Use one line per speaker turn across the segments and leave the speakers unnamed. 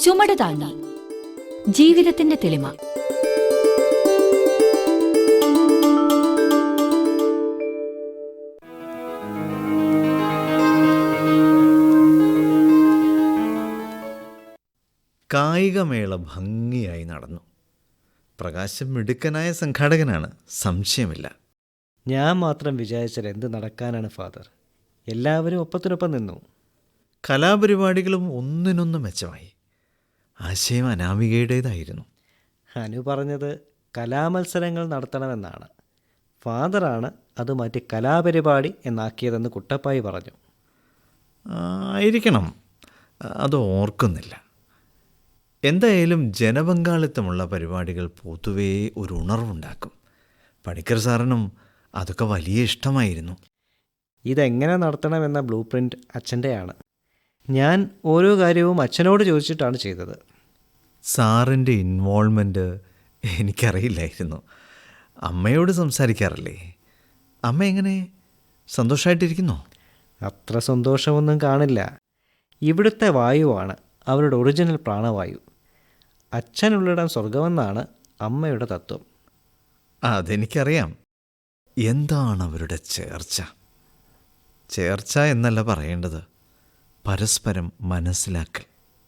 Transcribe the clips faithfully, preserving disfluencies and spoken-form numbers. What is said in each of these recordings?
ചുമട് താങ്ങി ജീവിതത്തിന്റെ തെളിമ.
കായികമേള ഭംഗിയായി നടന്നു. പ്രകാശം മിടുക്കനായ സംഘാടകനാണ്, സംശയമില്ല.
ഞാൻ മാത്രം വിചാരിച്ചാൽ എന്ത് നടക്കാനാണ് ഫാദർ. എല്ലാവരും ഒപ്പത്തിനൊപ്പം നിന്നു.
കലാപരിപാടികളും ഒന്നിനൊന്ന് മെച്ചമായി. ആശയം അനാമികയുടേതായിരുന്നു.
അനു പറഞ്ഞത് കലാമത്സരങ്ങൾ നടത്തണമെന്നാണ്. ഫാദറാണ് അത് മാറ്റി കലാപരിപാടി എന്നാക്കിയതെന്ന് കുട്ടപ്പായി പറഞ്ഞു.
ആയിരിക്കണം, അത് ഓർക്കുന്നില്ല. എന്തായാലും ജനപങ്കാളിത്തമുള്ള പരിപാടികൾ പൊതുവേ ഒരു ഉണർവുണ്ടാക്കും. പണിക്കർ സാറിനും അതൊക്കെ വലിയ ഇഷ്ടമായിരുന്നു.
ഇതെങ്ങനെ നടത്തണമെന്ന ബ്ലൂ പ്രിൻ്റ് അച്ഛൻ്റെയാണ്. ഞാൻ ഓരോ കാര്യവും അച്ഛനോട് ചോദിച്ചിട്ടാണ് ചെയ്തത്.
സാറിൻ്റെ ഇൻവോൾവ്മെൻറ്റ് എനിക്കറിയില്ലായിരുന്നു. അമ്മയോട് സംസാരിക്കാറില്ലേ? അമ്മ എങ്ങനെ, സന്തോഷമായിട്ടിരിക്കുന്നോ?
അത്ര സന്തോഷമൊന്നും കാണില്ല. ഇവിടുത്തെ വായുവാണ് അവരുടെ ഒറിജിനൽ പ്രാണവായു. അച്ഛനുള്ളിടം സ്വർഗമെന്നാണ് അമ്മയുടെ തത്വം.
അതെനിക്കറിയാം. എന്താണ് അവരുടെ ചേർച്ച? ചേർച്ച എന്നല്ല പറയേണ്ടത്, പരസ്പരം മനസ്സിലാക്കൽ.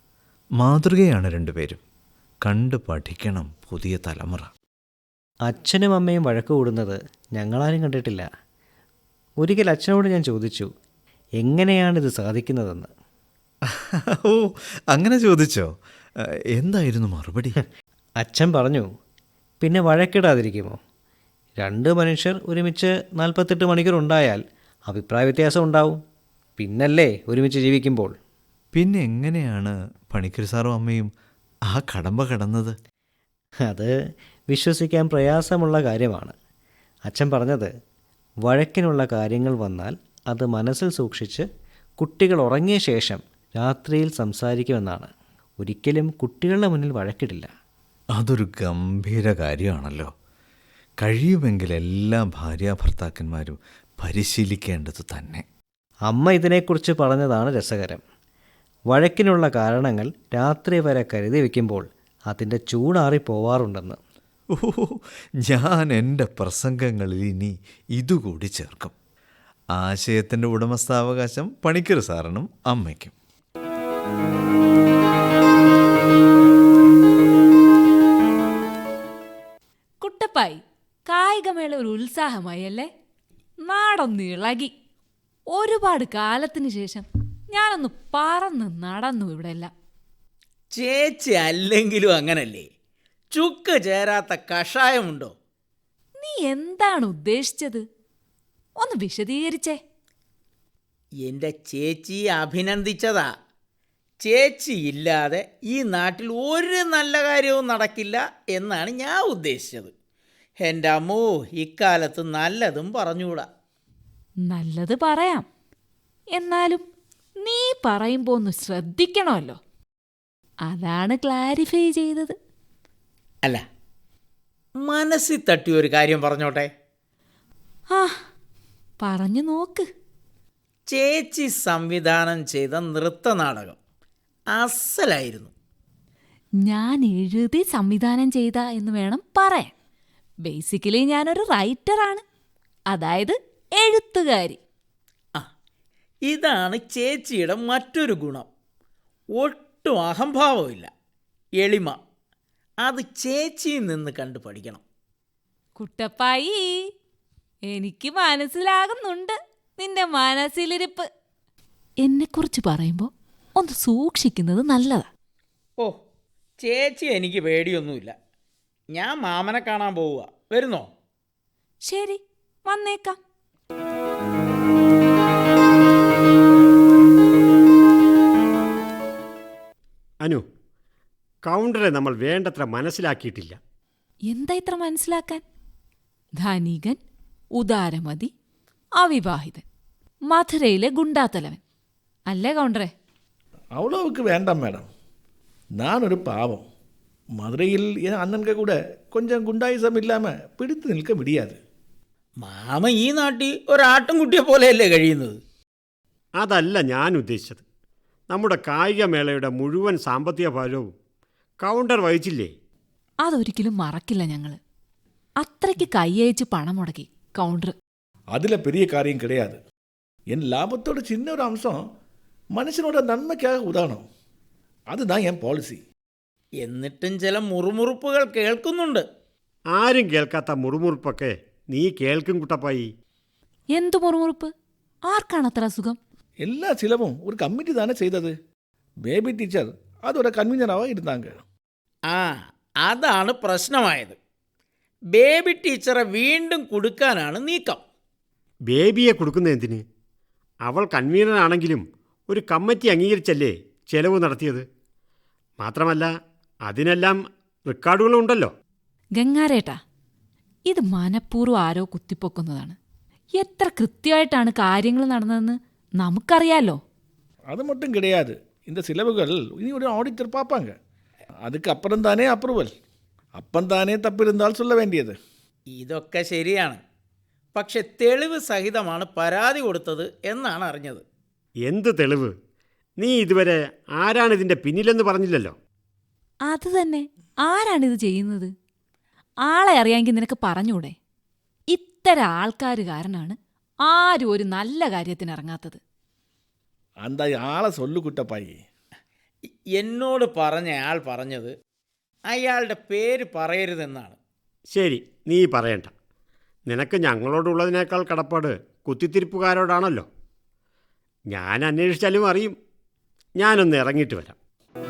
മാതൃകയാണ് രണ്ടുപേരും. കണ്ടു പഠിക്കണം പുതിയ തലമുറ.
അച്ഛനും അമ്മയും വഴക്ക് കൂടുന്നത് ഞങ്ങളാരും കണ്ടിട്ടില്ല. ഒരിക്കൽ അച്ഛനോട് ഞാൻ ചോദിച്ചു, എങ്ങനെയാണിത് സാധിക്കുന്നതെന്ന്.
ഓ, അങ്ങനെ ചോദിച്ചോ? എന്തായിരുന്നു മറുപടി?
അച്ഛൻ പറഞ്ഞു, പിന്നെ വഴക്കിടാതിരിക്കുമോ? രണ്ട് മനുഷ്യർ ഒരുമിച്ച് നാൽപ്പത്തെട്ട് മണിക്കൂർ ഉണ്ടായാൽ അഭിപ്രായ വ്യത്യാസം ഉണ്ടാവും. പിന്നല്ലേ ഒരുമിച്ച് ജീവിക്കുമ്പോൾ.
പിന്നെ എങ്ങനെയാണ് പണിക്കർ സാറും അമ്മയും ആ കടമ്പ കടന്നത്?
അത് വിശ്വസിക്കാൻ പ്രയാസമുള്ള കാര്യമാണ്. അച്ഛൻ പറഞ്ഞത്, വഴക്കിനുള്ള കാര്യങ്ങൾ വന്നാൽ അത് മനസ്സിൽ സൂക്ഷിച്ച് കുട്ടികൾ ഉറങ്ങിയ ശേഷം രാത്രിയിൽ സംസാരിക്കുമെന്നാണ്. ഒരിക്കലും കുട്ടികളുടെ മുന്നിൽ വഴക്കിടില്ല.
അതൊരു ഗംഭീര കാര്യമാണല്ലോ. കഴിയുമെങ്കിൽ എല്ലാ ഭാര്യാഭർത്താക്കന്മാരും പരിശീലിക്കേണ്ടത് തന്നെ.
അമ്മ ഇതിനെക്കുറിച്ച് പറഞ്ഞതാണ് രസകരം. വഴക്കിനുള്ള കാരണങ്ങൾ രാത്രി വരെ കരുതി വയ്ക്കുമ്പോൾ അതിൻ്റെ ചൂടാറി പോവാറുണ്ടെന്ന്.
ഓ, ഞാൻ എൻ്റെ പ്രസംഗങ്ങളിൽ ഇനി ഇതുകൂടി ചേർക്കും. ആശയത്തിൻ്റെ ഉടമസ്ഥാവകാശം പണിക്കർ സാറിനും അമ്മയ്ക്കും.
കുട്ടപ്പായി, കായികമേള ഒരു ഉത്സാഹമായി അല്ലേ? നാടൊന്ന് ഇളകി. ഒരുപാട് കാലത്തിന് ശേഷം ഞാനൊന്ന് പറന്ന് നടന്നു ഇവിടെ എല്ലാം.
ചേച്ചി അല്ലെങ്കിലും അങ്ങനല്ലേ, ചുക്ക് ചേരാത്ത കഷായമുണ്ടോ?
നീ എന്താണ് ഉദ്ദേശിച്ചത്? ഒന്ന് വിശദീകരിച്ചേ.
എൻ്റെ ചേച്ചി അഭിനന്ദിച്ചതാ. ചേച്ചി ഇല്ലാതെ ഈ നാട്ടിൽ ഒരു നല്ല കാര്യവും നടക്കില്ല എന്നാണ് ഞാൻ ഉദ്ദേശിച്ചത്. എൻ്റെ അമ്മോ, ഇക്കാലത്ത് നല്ലതും പറഞ്ഞുകൂടാ.
നല്ലത് പറയാം, എന്നാലും നീ പറയുമ്പോൾ ഒന്ന് ശ്രദ്ധിക്കണമല്ലോ. അതാണ് ക്ലാരിഫൈ ചെയ്തത്.
അല്ല, മനസ്സിൽ തട്ടിയൊരു കാര്യം പറഞ്ഞോട്ടെ.
ആ, പറഞ്ഞു നോക്ക്.
ചേച്ചി സംവിധാനം ചെയ്ത നൃത്തനാടകം അസലായിരുന്നു.
ഞാൻ എഴുതി സംവിധാനം ചെയ്ത എന്ന് വേണം പറയാൻ. ബേസിക്കലി ഞാനൊരു റൈറ്ററാണ്, അതായത് എഴുത്തുകാരി.
ആ, ഇതാണ് ചേച്ചിയുടെ മറ്റൊരു ഗുണം. ഒട്ടും അഹംഭാവമില്ല, എളിമ. അത് ചേച്ചിയിൽ നിന്ന് കണ്ടു പഠിക്കണം.
കുട്ടപ്പായി, എനിക്ക് മനസ്സിലാകുന്നുണ്ട് നിന്റെ മനസ്സിലിരിപ്പ്. എന്നെക്കുറിച്ച് പറയുമ്പോൾ ഒന്ന് സൂക്ഷിക്കുന്നത് നല്ലതാ.
ഓ, ചേച്ചി എനിക്ക് പേടിയൊന്നുമില്ല. ഞാൻ മാമനെ കാണാൻ പോവുക. വരുന്നോ?
ശരി, വന്നേക്കാം.
അനു, കൗണ്ടറെ നമ്മൾ വേണ്ടത്ര മനസ്സിലാക്കിയിട്ടില്ല.
എന്താ ഇത്ര മനസ്സിലാക്കാൻ? ധനികൻ, ഉദാരമതി, അവിവാഹിതൻ, മധുരയിലെ ഗുണ്ടാത്തലവൻ അല്ലേ കൗണ്ടറെ?
அவ்வளவுக்கு வேண்டாம் மேடம். நான் ஒரு பாவம். மதுரையில் என் அண்ணன்க கூட கொஞ்சம் குண்டாயுசம் இல்லாமல் பிடித்து நிற்க முடியாது.
മാമ ഈ നാട്ടിൽ ഒരാട്ടുംകുട്ടിയെ പോലെയല്ലേ കഴിയുന്നത്?
അതല്ല ഞാൻ ഉദ്ദേശിച്ചത്. നമ്മുടെ കായികമേളയുടെ മുഴുവൻ സാമ്പത്തിക ഭാരവും കൗണ്ടർ വഹിച്ചില്ലേ?
അതൊരിക്കലും മറക്കില്ല ഞങ്ങൾ. അത്രയ്ക്ക് കൈയയച്ച് പണം മുടക്കി കൗണ്ടർ.
அதில் பெரிய காரியம் கிடையாது. என் லாபத்தோட சின்ன ஒரு அம்சம் மனுஷனோட நன்மைக்காக உதாரணம். அதுதான் என் பாலிசி.
എന്നിട്ടും ചില മുറുമുറുപ്പുകൾ കേൾക്കുന്നുണ്ട്.
ആരും കേൾക്കാത്ത മുറുമുറുപ്പൊക്കെ നീ കേൾക്കും കുട്ടപ്പായി.
എന്തു മുറുമുറുപ്പ്? ആർക്കാണ് അത്ര അസുഖം?
எல்லா சிலவும் ஒரு கமிட்டி தானே செய்தது. பேபி டீச்சர் அதோட கன்வீனராக இருந்தாங்க.
ആ അതാണ് പ്രശ്നമായത്. ബേബി ടീച്ചറെ വീണ്ടും കൊടുക്കാനാണ് നീക്കം.
ബേബിയെ കൊടുക്കുന്ന എന്തിന്? അവൾ കൺവീനറാണെങ്കിലും ഒരു കമ്മിറ്റി അംഗീകരിച്ചല്ലേ ചെലവ് നടത്തിയത്. മാത്രമല്ല അതിനെല്ലാം റെക്കോർഡുകളുണ്ടല്ലോ.
ഗംഗാരേട്ടാ, ഇത് മനഃപൂർവ്വം ആരോ കുത്തിപ്പൊക്കുന്നതാണ്. എത്ര കൃത്യമായിട്ടാണ് കാര്യങ്ങൾ നടന്നതെന്ന് നമുക്കറിയാലോ.
அது மட்டும் கிடையாது. இந்த செலவுகள் இனி ஒரு ஆடிட்டர் பார்ப்பாங்க. அதுக்கு அப்புறம் தானே அப்ரூவல். அப்பன் தானே தப்பு இருந்தால் சொல்ல வேண்டியது.
ഇതൊക്കെ ശരിയാണ്. പക്ഷെ തെളിവ് സഹിതമാണ് പരാതി കൊടുത്തത് എന്നാണ് അറിഞ്ഞത്.
എന്ത് തെളിവ്? നീ ഇതുവരെ ആരാണിതിൻ്റെ പിന്നിലെന്ന് പറഞ്ഞില്ലല്ലോ.
അത് തന്നെ, ആരാണിത് ചെയ്യുന്നത്? ആളെ അറിയാമെങ്കിൽ നിനക്ക് പറഞ്ഞൂടെ? ഇത്തരം ആൾക്കാർ കാരണമാണ് ആരും ഒരു നല്ല കാര്യത്തിന് ഇറങ്ങാത്തത്.
அந்த ஆளை சொல்லு குட்டப்பாயி.
എന്നോട് പറഞ്ഞ ആൾ പറഞ്ഞത് അയാളുടെ പേര് പറയരുതെന്നാണ്.
ശരി, നീ പറയണ്ട. നിനക്ക് ഞങ്ങളോടുള്ളതിനേക്കാൾ കടപ്പാട് കുത്തിത്തിരിപ്പുകാരോടാണല്ലോ. ഞാൻ അന്വേഷിച്ചാലും അറിയും. ഞാനൊന്ന് ഇറങ്ങിയിട്ട് വരാം.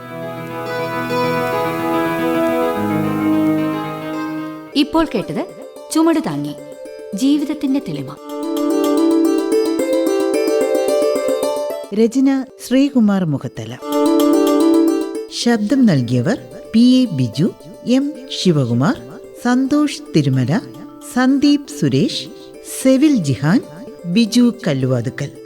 ഇപ്പോൾ കേട്ടത് ചുമട് താങ്ങി ജീവിതത്തിന്റെ തെളിമ.
രചന ശ്രീകുമാർ മുഖത്തല. ശബ്ദം നൽകിയവർ P A Biju, M Sivakumar, Santhosh Thirumala, Sandeep Suresh, Sevil Jihan, Biju Kalluvathukkal.